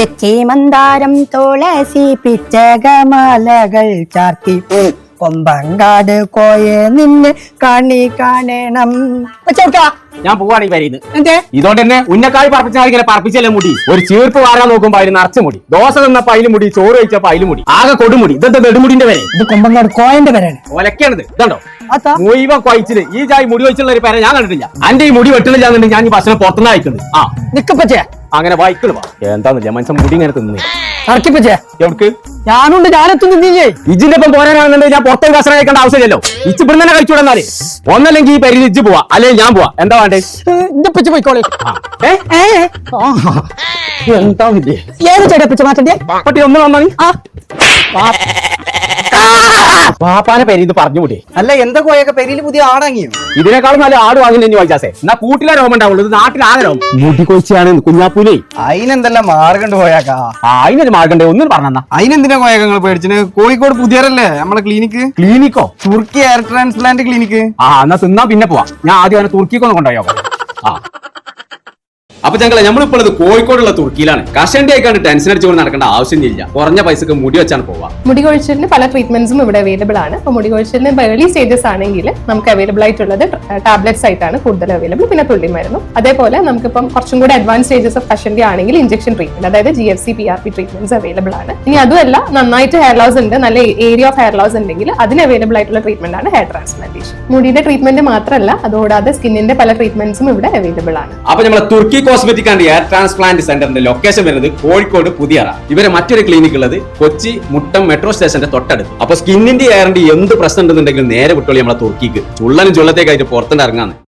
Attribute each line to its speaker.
Speaker 1: തെച്ചി മന്ദാരം തുളസി പിച്ചകമാലകൾ ചാർത്തി കൊമ്പങ്കാട് കോയെ നിന്നെ കാണണം.
Speaker 2: ഞാൻ പോവാണ് ഈ വരിന്ന് ഇതോണ്ട് തന്നെ ഉന്നക്കായി പറപ്പിച്ചാൽ പറപ്പിച്ചല്ലേ മുടി ഒരു ചീർപ്പ് വാരാൻ നോക്കുമ്പോ അതിന് നിറച്ച മുടി ദോശ തിന്നപ്പോ അതിലും മുടി ചോറ് കഴിച്ചപ്പോ അതിലും മുടി ആകെ കൊടുമുടി ഇതെന്താ നെടുമുടിന്റെ വരെ
Speaker 1: ഇത് കൊമ്പങ്കാട് കോയന്റെ വരാണ്.
Speaker 2: ഒലക്കാണിത് ഇതുണ്ടോ മുഴുവൻ കൊയച്ചില് ഈ ജായി മുടി വെച്ചുള്ള ഒരു പേരെ ഞാൻ കണ്ടിട്ടില്ല. അന്റെ ഈ മുടി വെട്ടണില്ലാന്നുണ്ടെങ്കിൽ ഞാൻ ഈ ഭക്ഷണം പുറത്തുനിന്ന് അയക്കുന്നത്
Speaker 1: നിക്കപ്പച്ചേ
Speaker 2: അങ്ങനെ വായിക്കണ എന്താന്നില്ല മനുഷ്യൻ മുടി ഇങ്ങനെ തിന്നു
Speaker 1: ഇറക്കിപ്പച്ചേ
Speaker 2: എവിടക്ക്
Speaker 1: ഞാനുണ്ട് ഞാനെത്തും നിന്നില്ലേ
Speaker 2: ഇജിന്റെ ഒപ്പം പോരാനാണെന്നുണ്ടെങ്കിൽ ഞാൻ പുറത്തേക്ക് കസറ കഴിക്കേണ്ട ആവശ്യമില്ലല്ലോ ഇച്ച് ഇവിടെ തന്നെ കഴിച്ചുവിടുന്നാല് ഒന്നല്ലെങ്കിൽ ഈ പരിധി ഇജ്ജ് പോവാ അല്ലെങ്കിൽ ഞാൻ പോവാ എന്താ വേണ്ടേ
Speaker 1: എന്റെ പച്ച പോയിക്കോളെ
Speaker 2: എന്താ
Speaker 1: ഏത് ചേട്ടാ പച്ച മാറ്റണ്ടേ
Speaker 2: പട്ടി ഒന്ന് വന്നാൽ പാപ്പാനെ പേര് ഇത് പറഞ്ഞുകൂടെ
Speaker 3: അല്ല എന്താ കോയൊക്കെ പെരിയിൽ പുതിയ ആടാങ്ങിയോ
Speaker 2: ഇതിനേക്കാളും നല്ല ആട് വാങ്ങുന്ന വായിച്ചാസേ എന്നാ കൂട്ടിലെ രോമം ഉണ്ടാവുള്ളൂ ഇത് നാട്ടിലാകെ രോമം മുടി കൊഴിച്ചാണ് കുഞ്ഞാപ്പൂലേ
Speaker 3: അതിനെന്തെല്ലാം മാർഗണ്ട് കോയാക്കാ
Speaker 2: അതിനൊരു മാർഗണ്ടേ ഒന്നും പറഞ്ഞാ
Speaker 3: അതിനെന്തിനാ കോയക്കങ്ങൾ പേടിച്ചിന് കോഴിക്കോട് പുതിയറല്ലേ നമ്മളെ
Speaker 2: ക്ലിനിക്കോ
Speaker 3: തുർക്കി എയർ ട്രാൻസ്പ്ലാന്റ് ക്ലിനിക്ക്
Speaker 2: എന്നാ തിന്നാ പിന്നെ പോവാ ഞാൻ ആദ്യം അവനെ തുർക്കിക്കൊന്ന് കൊണ്ടുപോയോ അപ്പൊ ഞങ്ങളെ നമ്മളിപ്പോൾ കോഴിക്കോടുള്ള തുർക്കിയിലാണ് കഷണ്ടി ആയിക്കാണ്ട് ടെൻഷൻ അടിച്ചുകൊണ്ട് നടക്കേണ്ട ആവശ്യമില്ല കുറഞ്ഞ പൈസക്ക് മുടി വെച്ചാണ് പോവാ
Speaker 4: മുടി കൊഴിച്ചിലിന് പല ട്രീറ്റ്മെന്റ്സും ഇവിടെ അവൈലബിൾ ആണ്. അപ്പോൾ മുടി കൊഴിച്ചിലിന് ഏർലി സ്റ്റേജസ് ആണെങ്കിൽ നമുക്ക് അവൈലബിൾ ആയിട്ടുള്ളത് ടാബ്ലറ്റ്സ് ആയിട്ടാണ് കൂടുതൽ അവൈലബിൾ, പിന്നെ തുള്ളി മരുന്നും. അതേപോലെ നമുക്കിപ്പം കുറച്ചും കൂടി അഡ്വാൻസ് സ്റ്റേജസ് ഓഫ് കഷണ്ടി ആണെങ്കിൽ ഇഞ്ചക്ഷൻ ട്രീറ്റ്മെന്റ്, അതായത് GFC PRP ട്രീറ്റ്മെന്റ്സ് അവൈലബിൾ ആണ്. ഇനി അതുമല്ല നന്നായിട്ട് ഹെയർ ലോസ് ഉണ്ട്, നല്ല ഏരിയ ഓഫ് ഹെയർ ലോസ് ഉണ്ടെങ്കിൽ അതിന് അവൈലബിൾ ആയിട്ടുള്ള ട്രീറ്റ്മെന്റ് ആണ് ഹെയർ ട്രാൻസ്പ്ലാന്റേഷൻ. മുടിയുടെ ട്രീറ്റ്മെന്റ് മാത്രമല്ല അതുകൂടാതെ സ്കിന്നിന്റെ പല ട്രീറ്റ്മെന്റ്സും ഇവിടെ അവൈലബിൾ ആണ്.
Speaker 2: അപ്പൊ നമ്മളെ തുർക്കി കോസ്മെറ്റിക് ആൻഡ് എയർ ട്രാൻസ്പ്ലാന്റ് സെന്ററിന്റെ ലൊക്കേഷൻ വരുന്നത് കോഴിക്കോട് പുതിയറ. ഇവരെ മറ്റൊരു ക്ലിനിക് ഉള്ളത് കൊച്ചി മുട്ടം മെട്രോ സ്റ്റേഷന്റെ തൊട്ടടുത്ത്. അപ്പൊ സ്കിന്നിന്റെ എയറിന്റെ എന്ത് പ്രശ്നം ഉണ്ടെന്നുണ്ടെങ്കിലും നേരെ വിട്ടോളി നമ്മളെ തുർക്കിക്ക്. ചുള്ളനും ചുള്ളത്തേക്കായിട്ട് പുറത്തുനിന്ന് ഇറങ്ങാന്ന്.